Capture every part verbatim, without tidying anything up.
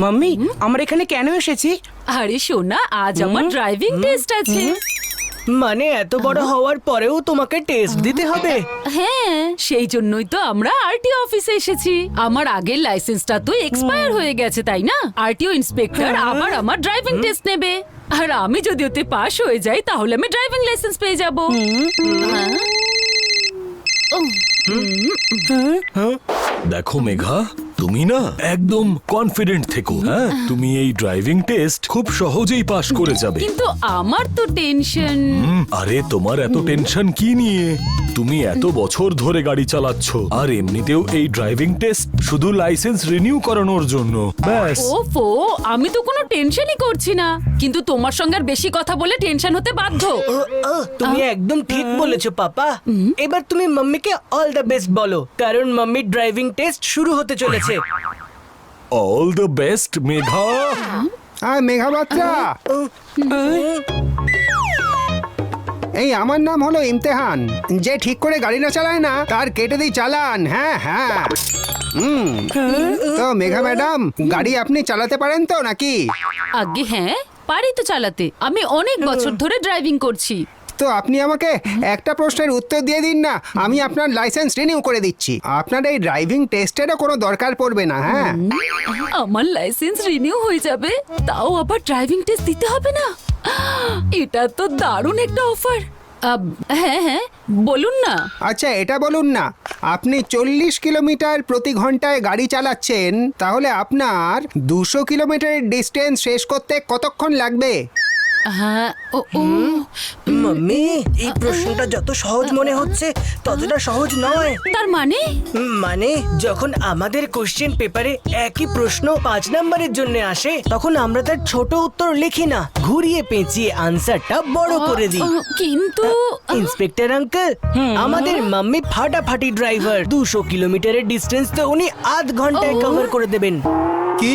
Mummy আমরা এখানে কেন এসেছি? আরে সোনা, আজ আমার ড্রাইভিং টেস্ট আছে। মানে এত বড় হওয়ার পরেও তোমাকে টেস্ট দিতে হবে? হ্যাঁ, সেই জন্যই তো আমরা আরটিও অফিসে এসেছি। আমার আগের লাইসেন্সটা তো এক্সপায়ার হয়ে গেছে, তাই না? আরটিও ইন্সপেক্টর আবার আমার ড্রাইভিং টেস্ট নেবে, আর আমি যদি ওতে পাস হয়ে যাই তাহলে আমি ড্রাইভিং লাইসেন্স পেয়ে যাব। দেখো মেঘা, তুমি না একদম কনফিডেন্ট থেকো। হ্যাঁ, তুমি এই ড্রাইভিং টেস্ট খুব সহজেই পাশ করে যাবে। কিন্তু আমার তো টেনশন। হুম, আরে তোমার এত টেনশন কি নিয়ে? তুমি এত বছর ধরে গাড়ি চালাচ্ছ, আর এমনিতেও এই ড্রাইভিং টেস্ট শুধু লাইসেন্স রিনিউ করানোর জন্য। ব্যাস। ওফো, আমি তো কোনো টেনশনই করছি না, কিন্তু তোমার সঙ্গে আর বেশি কথা বলে টেনশন হতে বাধ্য। ও, ও, তুমি একদম ঠিক বলেছো পাপা। এবার তুমি মাম্মিকে অল দ্য বেস্ট বলো, কারণ মাম্মির ড্রাইভিং টেস্ট শুরু হতে চলেছে। All the best Megha. আর মেঘা বাত্রা, এই আমার নাম হলো ইমতেহান। যে ঠিক করে গাড়ি না চালায় না তার কেটে দিই চালান। হ্যাঁ হ্যাঁ হুম তো মেঘা ম্যাডাম, গাড়ি আপনি চালাতে পারেন তো নাকি? আগে হ্যাঁ, পারি তো চালাতে। আমি অনেক বছর ধরে ড্রাইভিং করছি। তো আপনি আমাকে একটা প্রশ্নের উত্তর দিয়ে দিন না, আমি আপনার লাইসেন্স রিনিউ করে দিচ্ছি। আপনার এই ড্রাইভিং টেস্টেরও কোনো দরকার পড়বে না। হ্যাঁ, আমার লাইসেন্স রিনিউ হয়ে যাবে, তাও আবার ড্রাইভিং টেস্ট দিতে হবে না। এটা তো দারুণ একটা অফার। হ্যাঁ হ্যাঁ, বলুন না। আচ্ছা এটা বলুন না, আপনি চল্লিশ কিলোমিটার প্রতি ঘন্টায় গাড়ি চালাচ্ছেন, তাহলে আপনার দুশো কিলোমিটারের ডিস্টেন্স শেষ করতে কতক্ষণ লাগবে? হ্যাঁ, ও ও মাম্মি, এই প্রশ্নটা যত সহজ মনে হচ্ছে ততটা সহজ নয়। তার মানে মানে যখন আমাদের কোশ্চেন পেপারে একই প্রশ্ন পাঁচ নম্বরের জন্য আসে, তখন আমরা তার ছোট উত্তর লিখি না, ঘুরিয়ে পেঁচিয়ে আনসারটা বড় করে দিই। আহ, কিন্তু ইন্সপেক্টর আঙ্কেল, আমাদের মাম্মি ফাটাফাটি ড্রাইভার। দুশো কিলোমিটারের ডিস্টেন্স তো উনি আধ ঘন্টায় ও। কভার করে দেবেন। কি?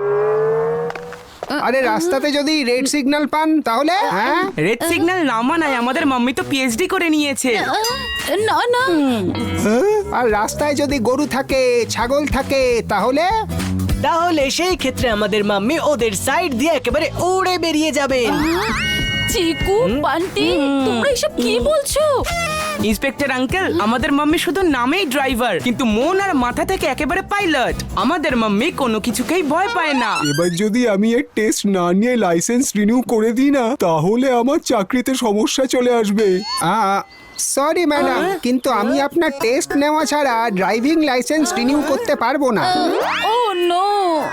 আরে রাস্তাতে যদি রেড সিগন্যাল পান তাহলে? হ্যাঁ, রেড সিগন্যাল না মানায়, আমাদের মাম্মি তো পিএইচডি করে নিয়েছে। আহ, না না, আর রাস্তায় যদি গরু থাকে, ছাগল থাকে তাহলে? তাহলে সেই ক্ষেত্রে আমাদের মাম্মি ওদের সাইড দিয়ে একেবারে উড়ে বেরিয়ে যাবেন। চিকু, বান্টি, তোমরা এসব কি বলছো? ইন্সপেক্টর আঙ্কেল, আমাদের মাম্মি শুধু নামেই ড্রাইভার, কিন্তু মন আর মাথা থেকে একেবারে পাইলট। আমাদের মাম্মি কোনো কিছুকেই ভয় পায় না। এবার যদি আমি এর টেস্ট না নিয়ে লাইসেন্স রিনিউ করে দিই না, তাহলে আমার চাকরিতে সমস্যা চলে আসবে। সরি ম্যাডাম, কিন্তু আমি আপনার টেস্ট নেওয়া ছাড়া ড্রাইভিং লাইসেন্স রিনিউ করতে পারবো না। ও নো।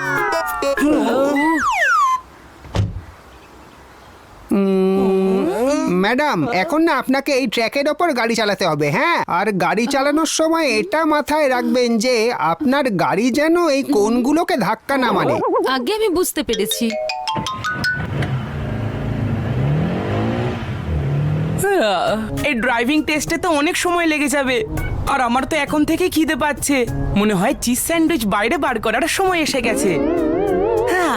ম্যাডাম, এখন না আপনাকে এই ট্র্যাকের ওপর গাড়ি চালাতে হবে। হ্যাঁ, আর গাড়ি চালানোর সময় এটা মাথায় রাখবেন যে আপনার গাড়ি যেন এই কোণগুলোকে ধাক্কা না মারে। আগে আমি বুঝতে পেরেছি। এই ড্রাইভিং টেস্টে তো অনেক সময় লেগে যাবে, আর আমার তো এখন থেকে খিদে পাচ্ছে। মনে হয় চিজ স্যান্ডউইচ বাইরে বার করার সময় এসে গেছে। হ্যাঁ।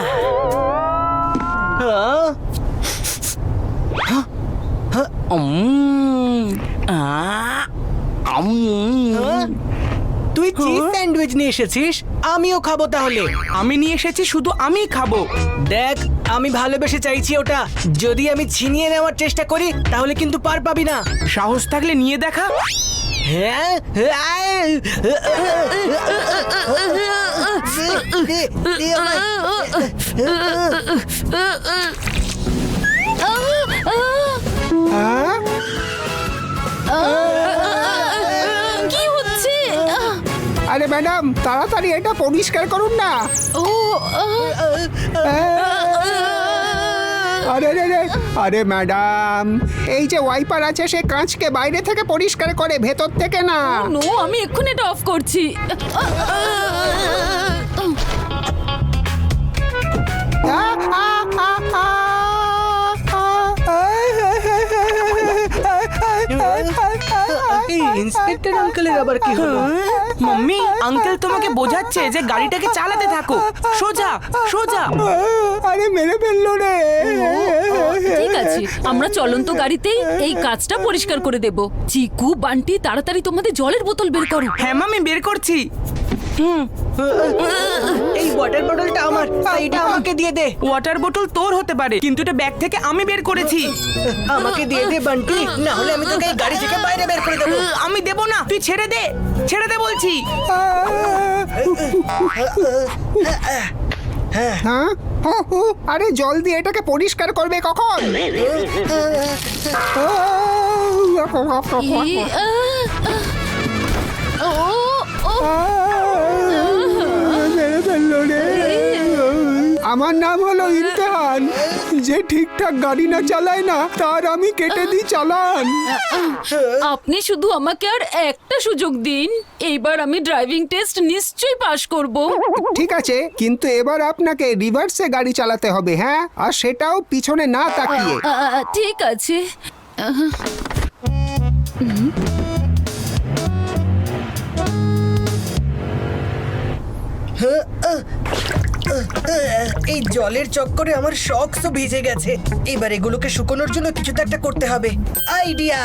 হ্যাঁ? উম, আহ, উম। হ্যাঁ? তুই চিজ স্যান্ডউইচ নিয়ে এসেছিস, আমিও খাবো তাহলে। আমি নিয়ে এসেছি, শুধু আমিই খাবো। দেখ, আমি ভালোবেসে চাইছি ওটা। যদি আমি ছিনিয়ে নেওয়ার চেষ্টা করি তাহলে কিন্তু পার পাবি না। সাহস থাকলে নিয়ে দেখা। হ্যাঁ? হ্যাঁ? কি হচ্ছে? আরে ম্যাডাম, তাড়াতাড়ি এটা পরিষ্কার করুন না। ও আরে রে রে, আরে ম্যাডাম, এই যে ওয়াইপার আছে সে কাঁচকে বাইরে থেকে পরিষ্কার করে, ভেতর থেকে না। নো, আমি এক্ষুনি এটা অফ করছি। ইন্সপেক্টর আঙ্কেলের আবার কি হলো? মাম্মি, আঙ্কেল তোমাকে বোঝাচ্ছে যে গাড়িটাকে চালাতে থাকো, সোজা সোজা। আরে মেরে ফেললো রে। ঠিক আছে, আমরা চলন্ত গাড়িতেই এই কাজটা পরিষ্কার করে দেব। চিকু, বান্টি, তাড়াতাড়ি তোমাদের জলের বোতল বের করো। হ্যাঁ মামি, বের করছি। হুম এই ওয়াটার বটলটা আমার, এইটা আমাকে দিয়ে দে। ওয়াটার বোতল তোর হতে পারে, কিন্তু এটা ব্যাগ থেকে আমি বের করেছি। আমাকে দিয়ে দে বান্টি, না হলে আমি তোকে এই গাড়ি থেকে বাইরে বের করে দেবো। আমি দেবো না, তুই ছেড়ে দে, ছেড়ে দে বলছি। হ্যাঁ হো, হো, আরে জল দিয়ে এটাকে পরিষ্কার করবে কখন? ই, আহ, আহ, ও, ও, মেরে ফেললো রে। আমার নাম হলো ইমতেহান। যে ঠিকঠাক গাড়ি না চালায় না তার আমি কেটে দিই চালান। আপনি শুধু আমাকে আর একটা সুযোগ দিন, এইবার আমি ড্রাইভিং টেস্ট নিশ্চয়ই পাশ করব। ঠিক আছে, কিন্তু এবার আপনাকে রিভার্সে গাড়ি চালাতে হবে, হ্যাঁ, আর সেটাও পিছনে না তাকিয়ে। আহ, ঠিক আছে। আহ, এই জলের চক্করে আমার শক্সও ভিজে গেছে। এবার এগুলোকে শুকোনোর জন্য কিছু তো একটা করতে হবে। আইডিয়া!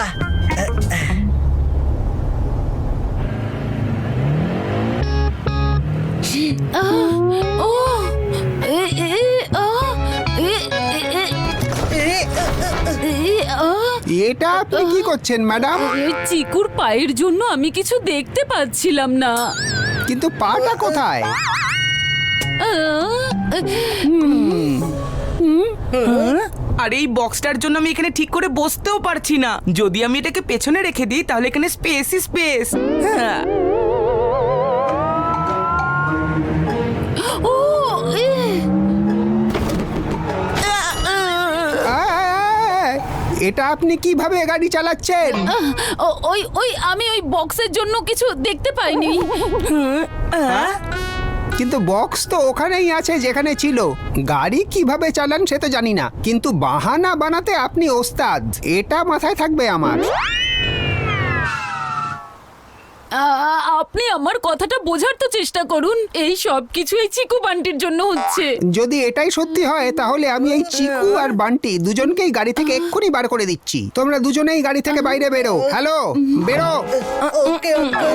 আহ, ও, এ, এ, আহ, এ, এ, এ, এ, আহ, এটা আপনি কি করছেন ম্যাডাম? এই চিকুর পায়ের জন্য আমি কিছু দেখতে পাচ্ছিলাম না। কিন্তু পাটা কোথায়? আহ, আর এই বক্সটার জন্য আমি এখানে ঠিক করে বসতেও পারছি না। যদি আমি এটাকে পেছনে রেখে দিই তাহলে এখানে স্পেসই স্পেস। হ্যাঁ, ও, এ, আয়, এটা আপনি কিভাবে গাড়ি চালাচ্ছেন? আহ, ও- ওই ওই আমি ওই বক্সের জন্য কিছু দেখতে পাইনি। কিন্তু বক্স তো ওখানেই আছে যেখানে ছিল। গাড়ি কিভাবে চালান সে তো জানি না, কিন্তু বাহানা বানাতে আপনি ওস্তাদ, এটা মাথায় থাকবে আমার। আ- আপনি আমার কথাটা বোঝার তো চেষ্টা করুন। এই সব কিছু এই চিকু বান্টির জন্য হচ্ছে। যদি এটাই সত্যি হয় তাহলে আমি এই চিকু আর বান্টি দুজনকেই গাড়ি থেকে এক্ষুনি বার করে দিচ্ছি। তোমরা দুজনেই গাড়ি থেকে বাইরে বেরো। হ্যালো, বেরো। ওকে ওকে।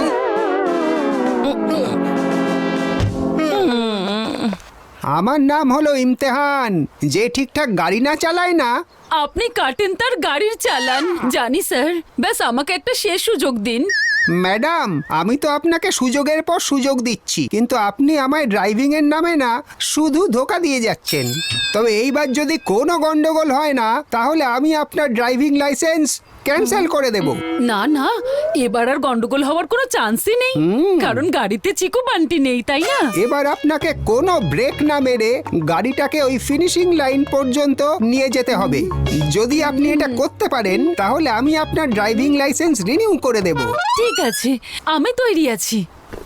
আমার নাম হলো ইমতেহান। যে ঠিকঠাক গাড়ি না চালায় না, আপনি কাটেন তার গাড়ির চালান, জানি স্যার। ব্যাস আমাকে একটা শেষ সুযোগ দিন। ম্যাডাম, আমি তো আপনাকে সুযোগের পর সুযোগ দিচ্ছি, কিন্তু আপনি আমায় ড্রাইভিং এর নামে না শুধু ধোকা দিয়ে যাচ্ছেন। তবে এইবার যদি কোনো গন্ডগোল হয় না তাহলে আমি আপনার ড্রাইভিং লাইসেন্স ক্যান্সেল করে দেব। না না, এবার আর গন্ডগোল হওয়ার কোনো চান্সই নেই, কারণ গাড়িতে চিকু বান্টি নেই, তাই না? এবার আপনাকে কোনো ব্রেক না মেরে গাড়িটাকে ওই ফিনিশিং লাইন পর্যন্ত নিয়ে যেতে হবে। যদি আপনি এটা করতে পারেন তাহলে আমি আপনার ড্রাইভিং লাইসেন্স রিনিউ করে দেব। ঠিক আছে, আমি তৈরি আছি।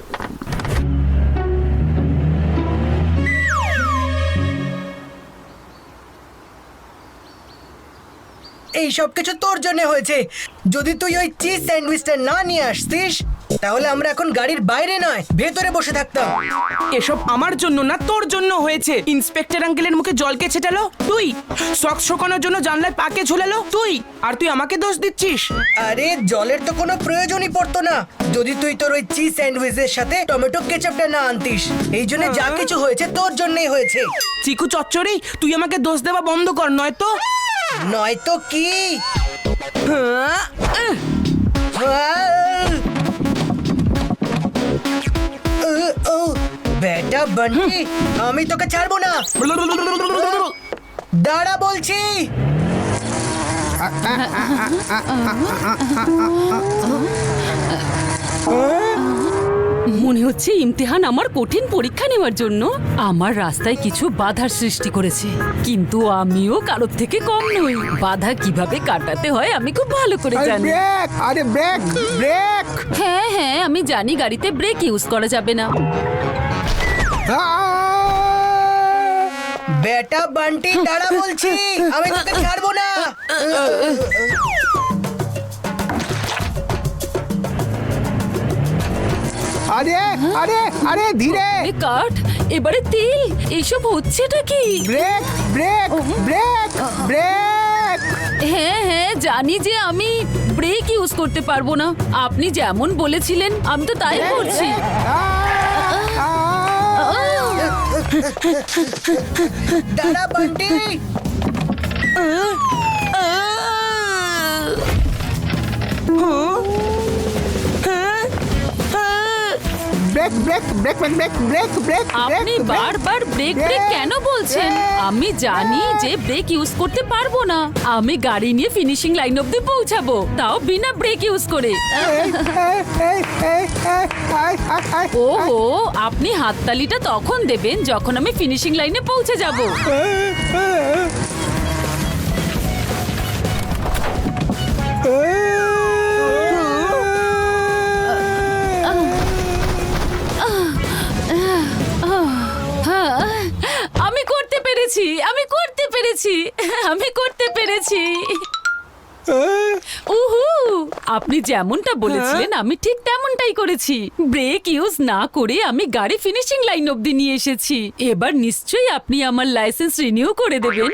এই সব কিছু তোর জন্য হয়েছে। যদি তুই ওই চিজ স্যান্ডউইচটা না নিয়ে আসতিস তাহলে আমরা এখন গাড়ির বাইরে নয় ভেতরে বসে থাকতাম। এসব আমার জন্য না তোর জন্য হয়েছে। ইন্সপেক্টর আঙ্কেলের মুখে জলকে ছেটালো তুই, সক্স শোকানোর জন্য জানলায় পাকে ঝোলালো তুই, আর তুই আমাকে দোষ দিচ্ছিস। আরে জলের তো কোনো প্রয়োজনই পড়তো না যদি তুই তোর ওই চিজ স্যান্ডউইচের সাথে টমেটো কেচাপটা না আনতিস। এই জন্য যা কিছু হয়েছে তোর জন্যই হয়েছে। চিকু চচ্চড়ি, তুই আমাকে দোষ দেওয়া বন্ধ কর, নয়তো নয়তো কি? হ্যাঁ, আহ, আহ! আহ, ও বেটা বান্টি, আমি তোকে ছাড়বো না। দাঁড়া বলছি। মনে হচ্ছে ইমতিহান আমার কঠিন পরীক্ষা নেওয়ার জন্য আমার রাস্তায় কিছু বাধার সৃষ্টি করেছে, কিন্তু আমিও কারোর থেকে কম নই। বাধা কিভাবে কাটাতে হয় আমি খুব ভালো করে আরে জানি। ব্রেক, আরে ব্রেক, ব্রেক। হ্যাঁ হ্যাঁ, আমি জানি গাড়িতে ব্রেক ইউজ করা যাবে না। আহ! বেটা বান্টি দাঁড়া বলছি, আমি তোকে ছাড়বো না। আরে আরে আরে ধীরে। এ কাঠ, এবারে তেল, এইসব হচ্ছেটা কি? Brake, brake, brake, brake. হ্যাঁ হ্যাঁ, জানি যে আমি ব্রেক ইউজ করতে পারবো না। আপনি যেমন বলেছিলেন আমি তো তাই করছি। আহ! আহ! দাঁড়া Bunty. Brake brake brake brake brake brake brake আপনি বারবার ব্রেক ব্রেক কেন বলছেন? আমি জানি যে ব্রেক ইউজ করতে পারবো না। আমি গাড়ি নিয়ে ফিনিশিং লাইন অবধি পৌঁছাবো, তাও বিনা ব্রেক ইউজ করে। ওহো, আপনি হাততালিটা তখন দেবেন যখন আমি ফিনিশিং লাইনে পৌঁছে যাব। আমি করতে পেরেছি, আমি করতে পেরেছি, আমি করতে পেরেছি। উহু, আপনি যেমনটা বলেছিলেন আমি ঠিক তেমনটাই করেছি। ব্রেক ইউজ না করে আমি গাড়ি ফিনিশিং লাইন অবধি নিয়ে এসেছি। এবার নিশ্চয়ই আপনি আমার লাইসেন্স রিনিউ করে দেবেন।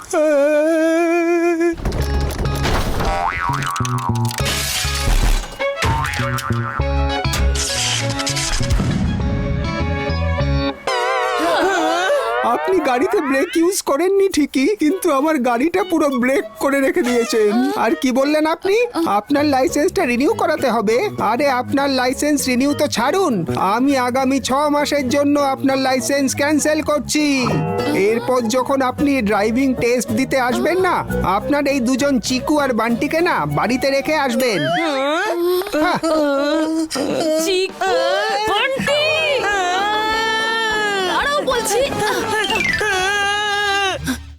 আপনি গাড়িতে ব্রেক ইউজ করেননি ঠিকই, কিন্তু আমার গাড়িটা পুরো ব্রেক করে রেখে দিয়েছেন। আর কি বললেন আপনি? আপনার লাইসেন্সটা রিনিউ করাতে হবে? আরে আপনার লাইসেন্স রিনিউ তো ছাড়ুন, আমি আগামী ছ মাসের জন্য আপনার লাইসেন্স ক্যান্সেল করছি। এরপর যখন আপনি ড্রাইভিং টেস্ট দিতে আসবেন না, আপনার এই দুজন চিকু আর বান্টিকে না বাড়িতে রেখে আসবেন। চিকু, বান্টি, দাঁড়াও বলছি।